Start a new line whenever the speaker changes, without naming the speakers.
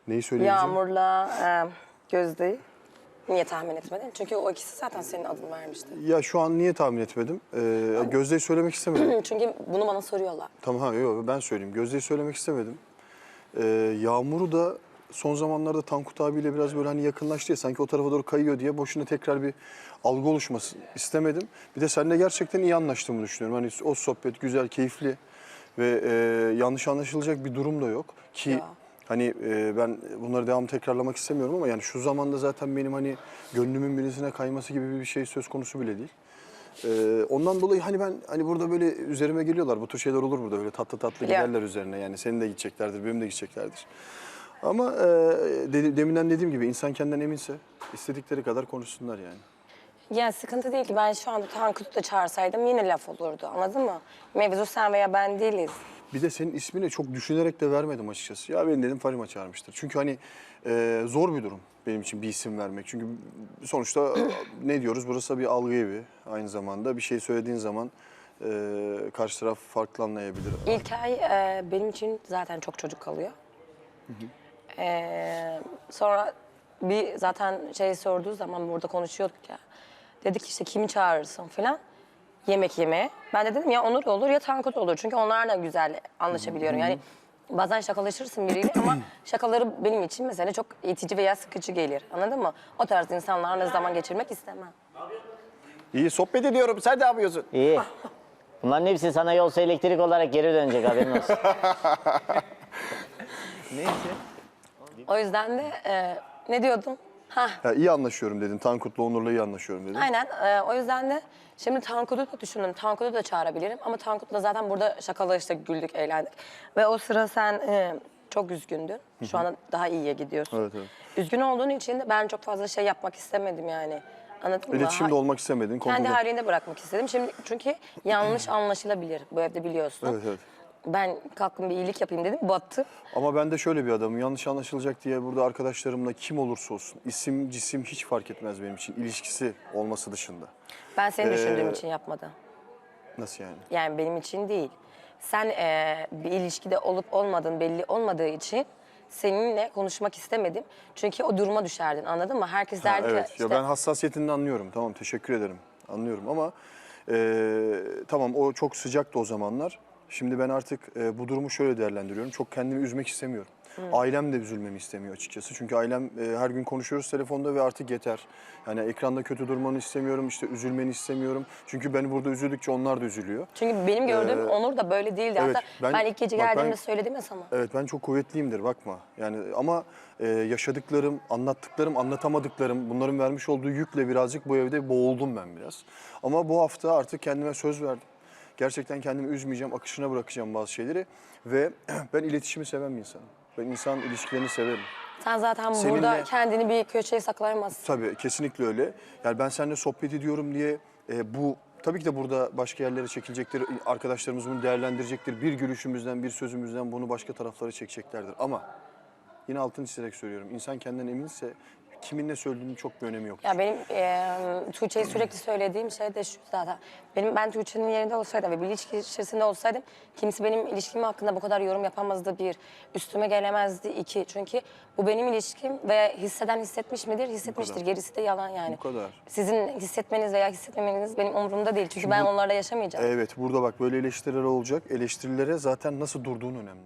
Neyi söyleyeceğim?
Yağmur'la Gözde'yi niye tahmin etmedin? Çünkü o ikisi zaten senin adını vermişti.
Ya şu an niye tahmin etmedim? Gözde'yi söylemek istemedim.
Çünkü bunu bana soruyorlar.
Tamam, yok ben söyleyeyim. Gözde'yi söylemek istemedim. Yağmur'u da son zamanlarda Tankut abiyle biraz böyle hani yakınlaştı ya, sanki o tarafa doğru kayıyor diye boşuna tekrar bir algı oluşmasın istemedim. Bir de seninle gerçekten iyi anlaştığımı düşünüyorum. Hani o sohbet güzel, keyifli ve yanlış anlaşılacak bir durum da yok. Ki
Ya.
hani ben bunları devam tekrarlamak istemiyorum ama yani şu zamanda zaten benim hani gönlümün birisine kayması gibi bir şey söz konusu bile değil. Ondan dolayı hani ben hani burada böyle üzerime geliyorlar. Bu tür şeyler olur burada, böyle tatlı tatlı giderler üzerine. Yani senin de gideceklerdir, benim de gideceklerdir. Ama deminden dediğim gibi insan kendinden eminse istedikleri kadar konuşsunlar yani.
Yani sıkıntı değil ki, ben şu anda Tankut'u da çağırsaydım yine laf olurdu, anladın mı? Mevzu sen veya ben değiliz.
Bir de senin ismini çok düşünerek de vermedim açıkçası. Ya ben dedim Farima çağırmıştır. Çünkü hani zor bir durum benim için bir isim vermek. Çünkü sonuçta ne diyoruz, burası bir algı evi. Aynı zamanda bir şey söylediğin zaman karşı taraf farklı anlayabilir.
İlk ay benim için zaten çok çocuk kalıyor. Sonra bir zaten şey sorduğu zaman burada konuşuyorduk ya. Dedik işte kimi çağırırsın falan. Yemek yemeye. Ben de dedim ya Onur olur ya Tankut olur. Çünkü onlarla güzel anlaşabiliyorum. Yani bazen şakalaşırsın biriyle ama şakaları benim için mesela çok itici veya sıkıcı gelir. Anladın mı? O tarz insanlarla zaman geçirmek istemem.
İyi sohbet ediyorum. Sen ne yapıyorsun?
İyi. Bunların hepsi sana yolsa elektrik olarak geri dönecek, haberin olsun.
Neyse.
O yüzden de ne diyordum? Hah.
Ya iyi anlaşıyorum dedin. Tankut'la Onur'la iyi anlaşıyorum dedin.
Aynen. O yüzden de şimdi Tankut'u da düşünün. Tankut'u da çağırabilirim. Ama Tankut'la zaten burada şakalaştık, güldük, eğlendik. Ve o sıra sen çok üzgündün. Şu anda daha iyiye gidiyorsun.
Evet, evet.
Üzgün olduğun için de ben çok fazla şey yapmak istemedim yani. Anladın mı?
İletişimde olmak istemedin.
Kendi
kontrol-
halinde bırakmak istedim. Şimdi çünkü yanlış anlaşılabilir bu evde, biliyorsun.
Evet, evet.
Ben kalktım bir iyilik yapayım dedim, battı.
Ama ben de şöyle bir adamım. Yanlış anlaşılacak diye burada arkadaşlarımla kim olursa olsun, isim, cisim hiç fark etmez benim için. İlişkisi olması dışında.
Ben seni düşündüğüm için yapmadım.
Nasıl yani?
Yani benim için değil. Sen bir ilişkide olup olmadığın belli olmadığı için seninle konuşmak istemedim. Çünkü o duruma düşerdin, anladın mı? Herkes
Ha,
derdi ki
evet.
işte...
Ya ben hassasiyetini anlıyorum. Tamam, teşekkür ederim. Anlıyorum ama tamam, o çok sıcaktı o zamanlar. Şimdi ben artık bu durumu şöyle değerlendiriyorum. Çok kendimi üzmek istemiyorum. Ailem de üzülmemi istemiyor açıkçası. Çünkü ailem her gün konuşuyoruz telefonda ve artık yeter. Yani ekranda kötü durmanı istemiyorum, işte üzülmeni istemiyorum. Çünkü ben burada üzüldükçe onlar da üzülüyor.
Çünkü benim gördüğüm Onur da böyle değildi.
evet,
Hatta ben ilk gece
bak
geldiğimde
ben-
söyledim ya sana.
Evet, ben çok kuvvetliyimdir, bakma. Yani ama yaşadıklarım, anlattıklarım, anlatamadıklarım, bunların vermiş olduğu yükle birazcık bu evde boğuldum ben biraz. Ama bu hafta artık kendime söz verdim. Gerçekten kendimi üzmeyeceğim, akışına bırakacağım bazı şeyleri. Ve ben iletişimi seven bir insanım. Ben insan ilişkilerini severim.
Sen zaten
Seninle-
burada kendini bir köşeye saklayamazsın.
Tabii, kesinlikle öyle. Yani ben seninle sohbet ediyorum diye bu... Tabii ki de burada başka yerlere çekilecektir, arkadaşlarımız bunu değerlendirecektir. Bir gülüşümüzden, bir sözümüzden bunu başka taraflara çekeceklerdir. Ama yine altını çizerek söylüyorum. İnsan kendinden eminse kimin ne söylediğinin çok bir önemi yok.
Ya benim Tuğçe'ye sürekli söylediğim şey de şu zaten. Ben Tuğçe'nin yerinde olsaydım ve bir ilişki içerisinde olsaydım kimse benim ilişkim hakkında bu kadar yorum yapamazdı, bir. Üstüme gelemezdi, iki. Çünkü bu benim ilişkim ve hisseden hissetmiş midir? Hissetmiştir.
kadar.
Gerisi de yalan yani.
Bu kadar.
Sizin hissetmeniz veya hissetmemeniz benim umurumda değil. Çünkü ben onlarla yaşamayacağım.
Evet, burada bak böyle eleştiriler olacak. Eleştirilere zaten nasıl durduğun önemli.